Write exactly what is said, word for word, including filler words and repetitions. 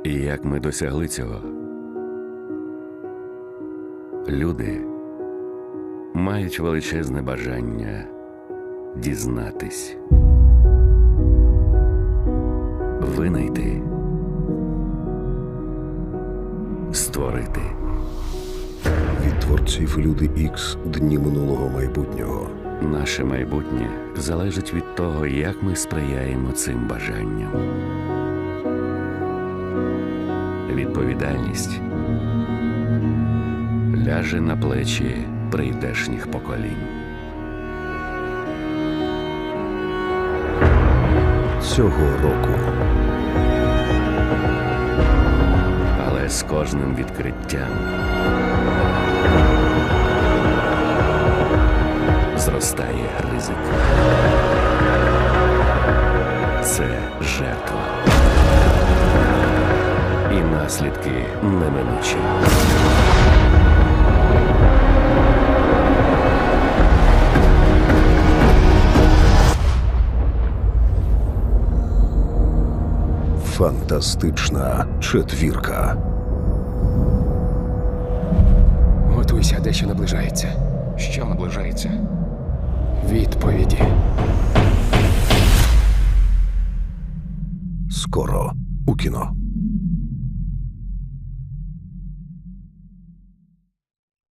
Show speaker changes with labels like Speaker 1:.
Speaker 1: І як ми досягли цього? Люди мають величезне бажання дізнатись, винайти, створити.
Speaker 2: Від творців Люди Ікс Дні минулого майбутнього.
Speaker 1: Наше майбутнє залежить від того, як ми сприяємо цим бажанням. Відповідальність ляже на плечі прийдешніх поколінь.
Speaker 2: Цього року
Speaker 1: Але з кожним відкриттям зростає ризик. Це жертва. І наслідки неминучі.
Speaker 2: фантастична четвірка.
Speaker 3: Готуйся, дещо наближається.
Speaker 4: Що наближається?
Speaker 3: Відповіді.
Speaker 2: Скоро у кіно.